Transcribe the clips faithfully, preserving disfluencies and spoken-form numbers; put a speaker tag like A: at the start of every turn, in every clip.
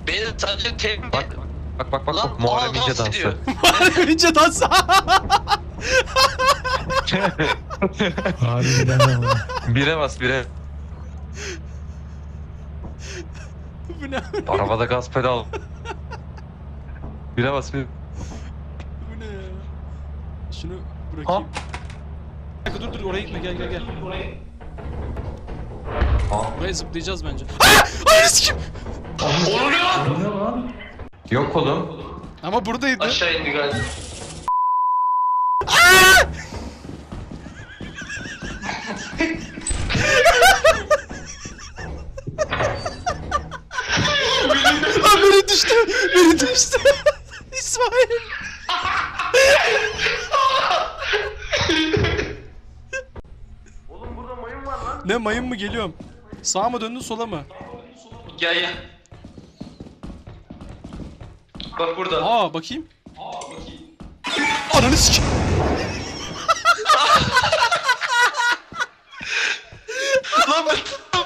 A: Beni sadece tek...
B: Bak bak bak bak,
A: Lan,
B: bak Muharrem
A: aa,
B: İnce
A: dans
B: dansı.
A: ediyor.
C: Muharrem İnce dansı.
D: Harbiden ama.
B: Bire bas bire.
C: Bu ne?
B: Arabada gaz pedal. Bire bas bir.
C: Bu ne ya? Şunu bırakayım. Bir dakika, dur dur oraya gitme, gel gel gel. Buraya zıplayacağız bence. Aa! Ay sikim!
A: Oluyor.
B: Yok oğlum.
C: Ama buradaydı.
A: Aşağı indi galiba.
C: Lan biri düştü. Biri düştü. İsmail.
A: Oğlum burada mayın var lan.
C: Ne mayın mı, geliyorum. Sağa mı döndün, sola mı?
A: Gel gel. Bak burada.
C: Aa bakayım. Aa bakayım. Ananı sikim.
A: Lan ben...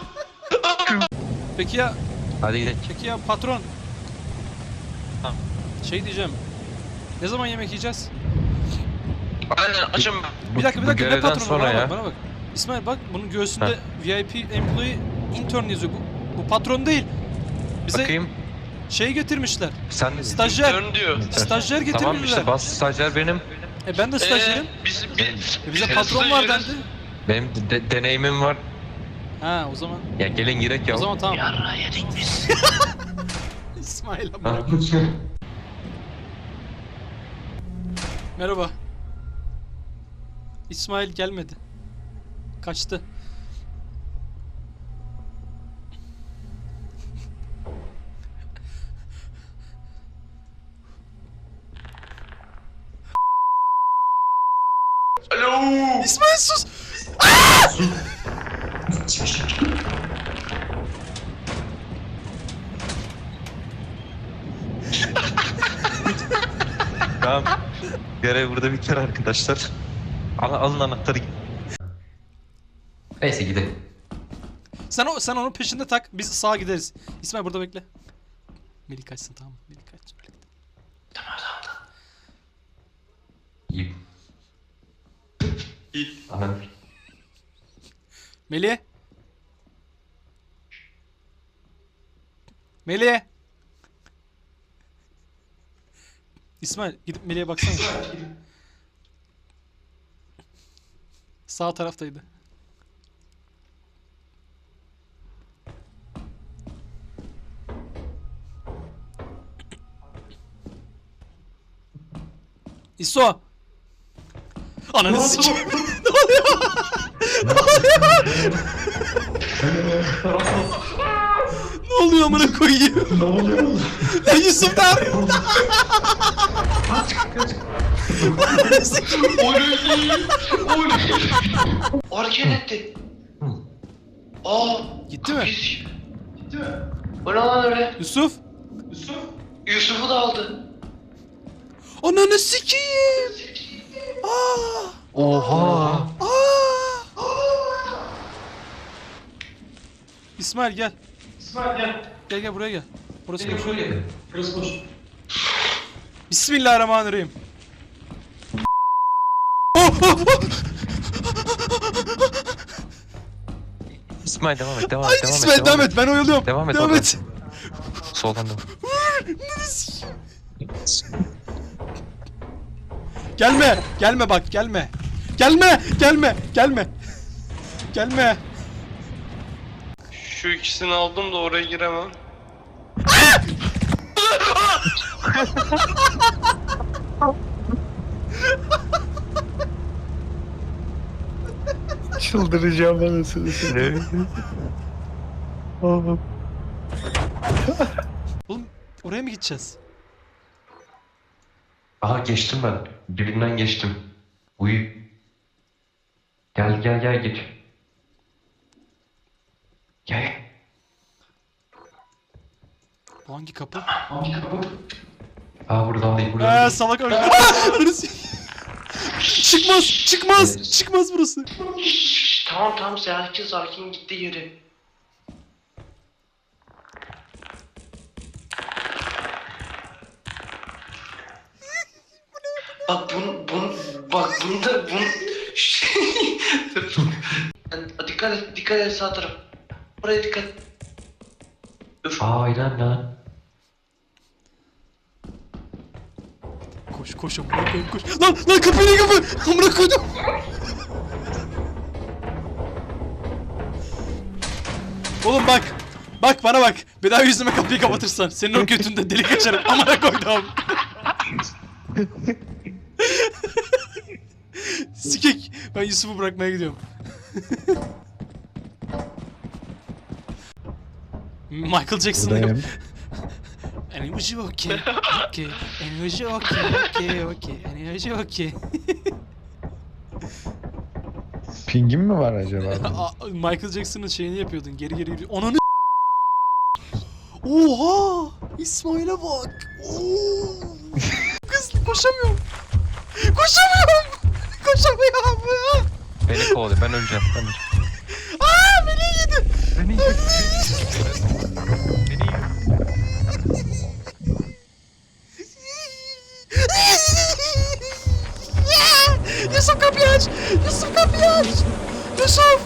C: Peki ya,
B: Hadi gidelim.
C: peki ya patron. Şey diyeceğim. Ne zaman yemek yiyeceğiz?
A: Aynen açım.
C: Bir dakika bir
B: Bu
C: dakika, ne
B: görevden
C: patronu,
B: sonra
C: bana
B: ya.
C: bak bana bak. İsmail bak, bunun göğsünde
B: Heh.
C: V I P employee intern yazıyor. Bu, bu patron değil. Bize
B: Bakayım.
C: şey getirmişler.
B: Sen
C: Stajyer.
A: Dön diyor.
C: Stajyer getirmişler.
B: Tamam işte bas, stajyer benim.
C: E ben de stajyerim.
A: Ee, biz, biz,
C: E bize patron var dendi.
B: Benim de- deneyimim var.
C: Ha o zaman.
B: Ya gelin girek ya.
C: O zaman tamam.
A: Yarra yedik biz.
C: İsmail
B: Ha.
C: amına. Merhaba. İsmail gelmedi. Kaçtı.
A: Alo.
C: İsmail sus.
B: Tamam. Görev burada biter arkadaşlar. Al, alın anahtarı. Neyse gidelim.
C: Sen o sen onun peşinde tak. Biz sağa gideriz. İsmail burada bekle. Melih kaçsın, tamam mı? Melih kaçsın.
A: Tamam tamam.
B: İyi.
A: İyi.
B: Aha.
C: Melih. Melih. İsmail gidip Melih'e baksana. Sağ taraftaydı. İso. Ananı sikeyim. Ne oluyor? Ne oluyor? Ne oluyor amına koyayım?
D: Ne oluyor?
C: Lan Yusuf da. Ananı sikeyim.
A: Oy. Oy. Hareket etti. Aa.
C: Gitti mi?
A: Biz... Gitti mi? O ne lan öyle?
C: Yusuf.
A: Yusuf. Yusuf'u da aldı.
C: Ananı sikeyim. Aa.
B: Oha.
C: Aa. İsmail gel.
A: İsmail gel.
C: Gel gel buraya gel. Burası boş.
A: Burası boş.
C: Bismillahirrahmanirrahim. Oh, oh, oh.
B: İsmail devam et, devam et,
C: Ay
B: devam et.
C: İsmail devam et, ben oyalıyorum.
B: Devam et,
C: Devam
B: oradan.
C: et.
B: Soldan devam.
C: Ananı sikeyim. Gelme, gelme bak, gelme. Gelme, gelme, gelme. Gelme.
A: Şu ikisini aldım da oraya giremem.
D: Çıldıracağım anasını satayım. Oğlum.
C: Oğlum oraya mı gideceğiz?
B: Aha geçtim ben. Dibinden geçtim. Uyu. Gel gel gel geç. Gel.
C: Bu hangi kapı?
B: Hangi kapı? Aa buradan değil, buradan
C: Eee
B: değil.
C: salak öyle. Ananı sikeyim. Çıkmaz, çıkmaz, çıkmaz burası.
A: Şşş, tamam tamam sakin sakin gitti yeri. Bak bun bun bak bunda bun şey. Dikkat et dikkat et sağ taraf. Buraya dikkat. Öf.
B: Aynen lan.
C: Koş koş amına koyayım koş. Lan lan kapıyı kapı. Amına koydum. Oğlum bak. Bak bana bak. Bir daha yüzüme kapıyı kapatırsan senin o götünde delik açarım. Amına koydum. Sikek. Ben Yusuf'u bırakmaya gidiyorum. Michael Jackson'ın
D: Buradayım.
C: Enerji okey, okey, enerji okey, okey, okey, enerji okey.
D: Pingin mi var acaba?
C: Aa, Michael Jackson'ın şeyini yapıyordun, geri geri yürü. Ananı Oha! İsmail'e bak! Oo! Kız koşamıyorum! Koşamıyorum! Koşamıyorum!
B: Beni kovalıyor. Ben öleceğim. Ben öleceğim.
C: Aa! Beni yedi!
B: Beni yedi. Beni yedi.
C: Yusuf kapıyı aç! Yusuf kapıyı aç! Yusuf!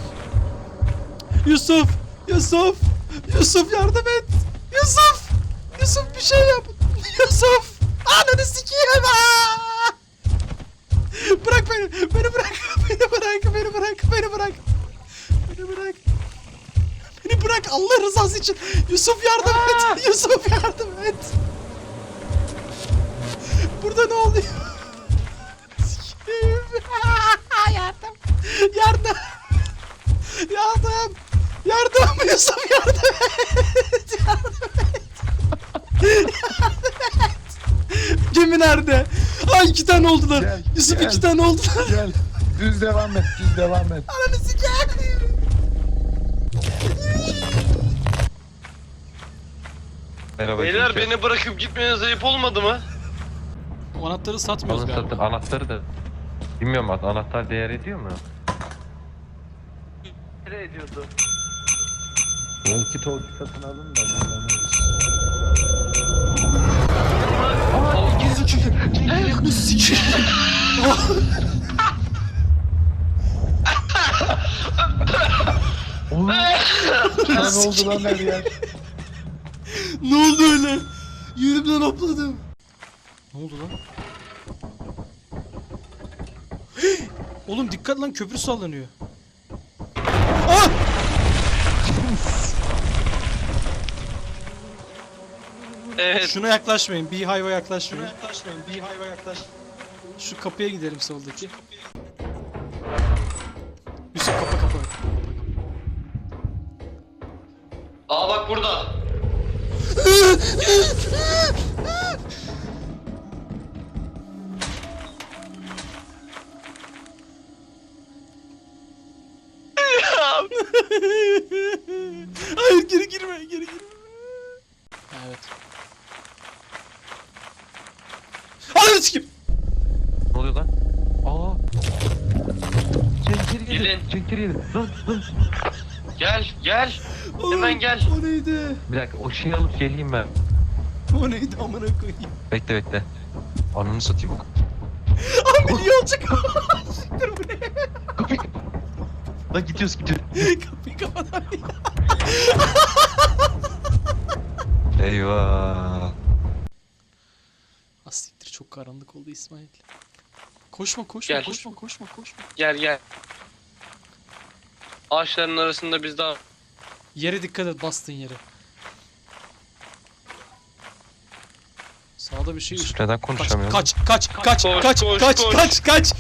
C: Yusuf! Yusuf! Yusuf yardım et! Yusuf! Yusuf bir şey yap! Yusuf! Ananı sikeyim! Aa! Bırak beni! Beni bırak! Beni bırak! Beni bırak! Beni bırak! Beni bırak! Beni bırak Allah rızası için! Yusuf yardım et! Yusuf yardım et! Burada ne oluyor? Sikeyim! Yardım! Yardım! Yardım! Yardım! Yusuf yardım et! Yardım et! Yardım et! Gemi nerede? Ay iki tane oldular.
D: Gel,
C: Yusuf
D: gel.
C: iki tane oldular.
D: Gel. Düz devam et, düz devam et.
C: Ananı sikeyim!
B: Merhaba.
A: Beyler
B: kimse.
A: beni bırakıp gitmeniz ayıp olmadı mı?
C: O anahtarı satmıyoruz
B: Alın
C: galiba.
B: satın. Anahtarı da. Bilmiyorum artık. Anahtar değer ediyor mu?
A: Ne ediyordu?
D: Walkie talkie satın alın da kullanırız.
B: Aa, gizli çünkü.
C: Ananı sikeyim!
D: Oğlum. Lan oldu lan her yer.
C: Ne oldu öyle? Yerimden hopladım. Ne oldu lan? Oğlum dikkat lan köprü sallanıyor. Ah!
A: Evet.
C: Şuna yaklaşmayın. Beehive'a yaklaşmayın. Şuna yaklaşmayın. Beehive'a yaklaş. Şu kapıya gidelim soldaki. Yusuf kapa kapa.
A: Aa bak burada.
C: Hayır geri girme geri girme. Evet. Ananı sikeyim.
B: Ne oluyor lan? Aa. Cenk geri
A: Gelin.
B: gelin. Cenk geri gelin. Lan lan.
A: Gel gel.
C: Oğlum,
A: Hemen gel.
C: O neydi?
B: Bir dakika o şeyi alıp geleyim ben.
C: O neydi amına koyayım.
B: Bekle bekle. Ananı satayım.
C: Abi niye olacak? Dur bu ne?
B: Kapıyı. Lan gidiyoruz gidiyoruz.
C: Kapıyı kapat abi.
B: Eyvah.
C: Asiktir çok karanlık oldu İsmail. Koşma koşma
A: Gel.
C: koşma koşma koşma.
A: Gel gel. Ağaçların arasında biz daha...
C: Yere dikkat et bastığın yere. Sağda bir şey
B: Yusuf neden
C: Kaç
B: konuşamıyorum?
C: kaç kaç kaç
A: Koş,
C: kaç
A: koş,
C: kaç
A: koş.
C: kaç kaç.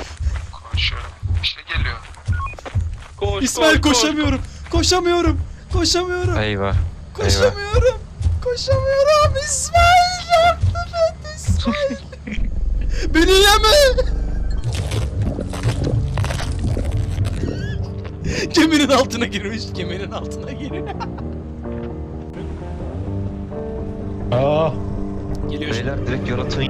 A: Koş,
C: İsmail
A: koş, koş.
C: koşamıyorum. Koşamıyorum. Koşamıyorum.
B: Eyvah. Eyvah.
C: Koşamıyorum. Koşamıyorum. İsmail yardım et İsmail. Beni yeme. Geminin altına girmiş. Geminin altına giriyor.
D: Aa.
C: Geliyor şimdi.
B: Beyler direkt yaratığın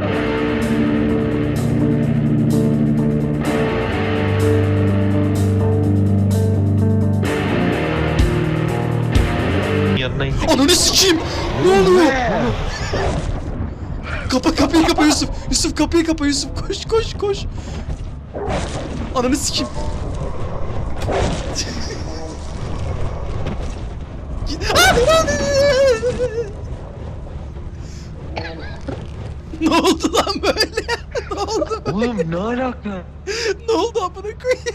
B: yanına indik.
C: Ananı sikeyim. Ne oluyor? Kapa kapıyı kapa Yusuf. Yusuf kapıyı kapa Yusuf. Koş koş koş. Ananı sikeyim. Git. Aa, ne oldu lan böyle? Ne oldu?
D: Oğlum ne alaka?
C: Ne oldu amına koyayım?